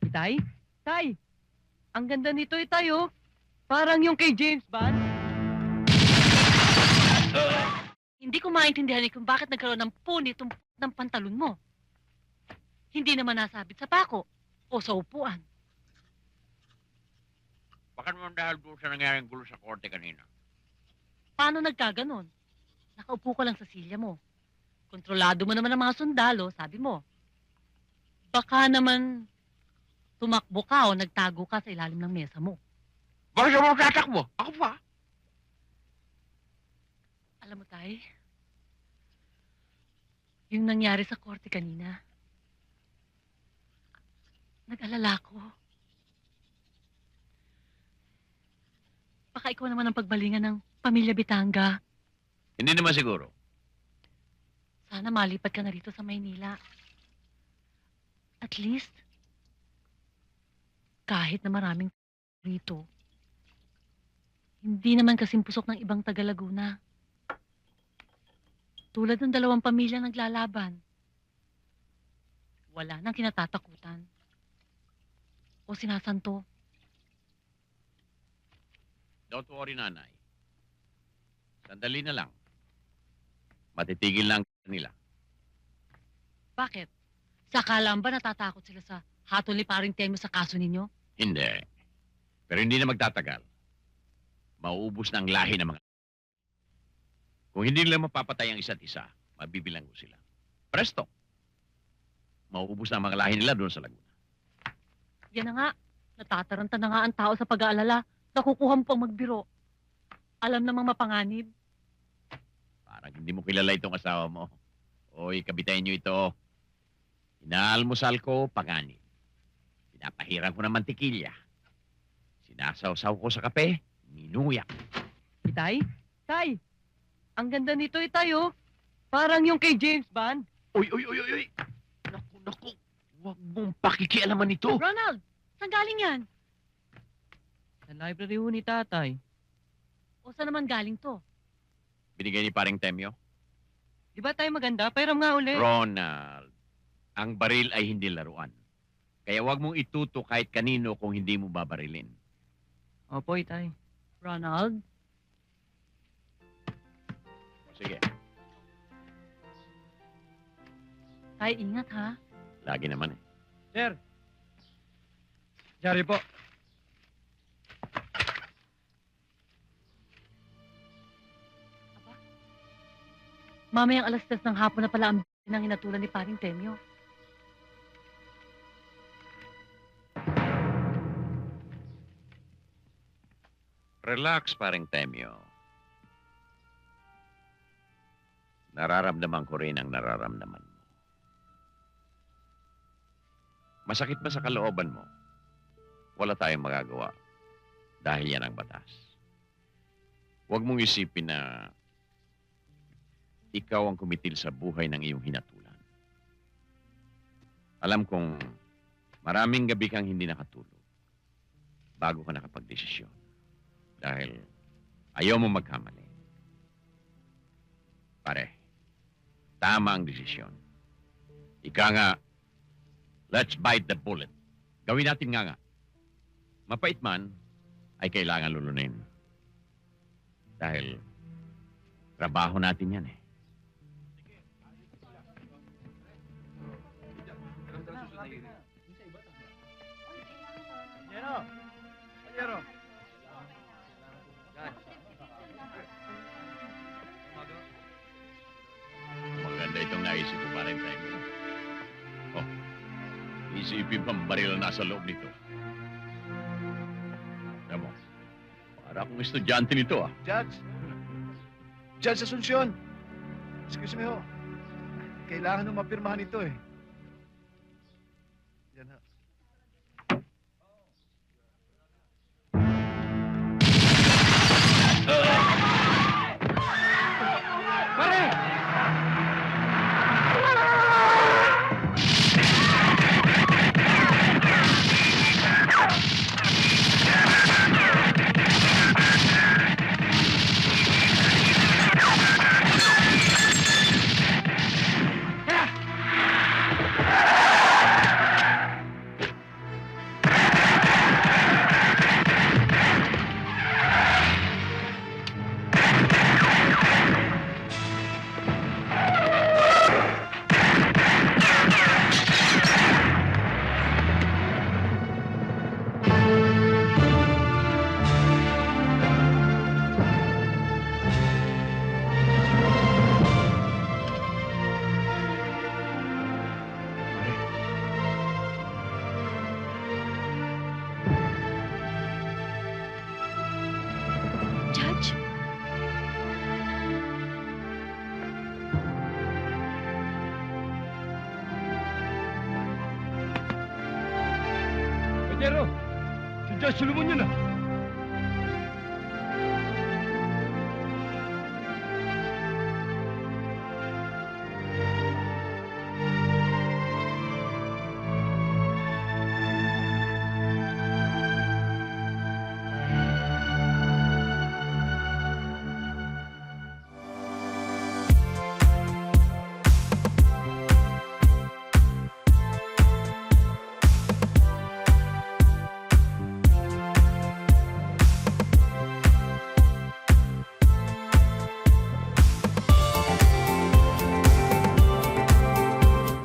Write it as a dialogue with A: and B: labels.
A: Tay? Tay! Ang ganda nito tayo. Parang yung kay James Bond.
B: Hindi ko maintindihan kung bakit nagkaroon ng punit ng pantalon mo. Hindi naman nasabit sa pako o sa upuan.
C: Baka naman dahil doon sa nangyaring gulo sa korte kanina.
B: Paano nagkaganon? Nakaupo ka lang sa silya mo. Kontrolado mo naman ang mga sundalo, sabi mo. Baka naman tumakbo ka o nagtago ka sa ilalim ng mesa mo.
C: Baka siya mo tatakbo. Ako pa.
B: Alam mo, Tay, yung nangyari sa korte kanina, nag-alala ko. Baka ikaw naman ang pagbalingan ng pamilya Bitanga.
C: Hindi naman siguro.
B: Sana malipat ka na rito sa Maynila. At least, kahit na maraming rito, hindi naman kasing pusok ng ibang taga Laguna. Tulad ng dalawang pamilya naglalaban. Wala nang kinatatakutan. O sinasanto.
C: Don't worry, nanay. Sandali na lang. Matitigil lang nila.
B: Bakit? Sakalang ba natatakot sila sa hatol ni paring Temyo sa kaso ninyo?
C: Hindi. Pero hindi na magtatagal. Mauubos na ang lahi ng mga... Kung hindi nila mapapatay ang isa't isa, mabibilang ko sila. Presto! Mauubos na ang mga lahi nila doon sa Laguna.
B: Yan na nga. Natataranta na nga ang tao sa pag-aalala. Nakukuha mo pang magbiro. Alam namang mapanganib.
C: Parang hindi mo kilala itong asawa mo. Oy, kabitayin niyo ito. Inaalmusal ko, panganib. Pinapahiran ko ng mantikilya. Sinasawsaw ko sa kape, minuyak.
A: Tay? Tay! Ang ganda nito tayo. Parang yung kay James Bond.
C: Uy! Naku! Huwag mong pakikialaman ito.
B: Ronald! Saan galing yan?
A: Sa library ho ni tatay.
B: O saan naman galing to?
C: Binigay ni paring Temyo.
A: Di ba tayo maganda? Pairam nga uli.
C: Ronald, ang baril ay hindi laruan. Kaya huwag mong ituto kahit kanino kung hindi mo babarilin.
A: Opo, tay.
B: Ronald?
C: O sige,
B: Tay, ingat ha.
C: lagi naman eh.
D: Sir. Jari po.
B: Mamayang alas 3 ng hapon na pala ang ng inatulan ni paring Temyo.
C: Relax, paring Temyo. Nararamdaman ko rin ang nararamdaman mo. Masakit ba sa kalooban mo? Wala tayong magagawa dahil yan ang batas. Huwag mong isipin na ikaw ang kumitil sa buhay ng iyong hinatulan. Alam kong maraming gabi kang hindi nakatulog bago ka nakapagdesisyon. Dahil ayaw mo magkamali. Pare, tama ang desisyon. Ika nga, let's bite the bullet. Gawin natin nga. Mapait man, ay kailangan lulunin. Dahil trabaho natin yan eh.
D: Panyero.
C: Maganda itong naisip ko pa rin tayo. Oh, isipin pang baril na nasa loob nito. Alam mo, para akong estudyante nito ah.
D: Judge. Judge Asuncion. Excuse me ho. Kailangan nung mapirmahan ito eh. Yan ha. Pare!
E: Pero, si Judge Solomon yun ah.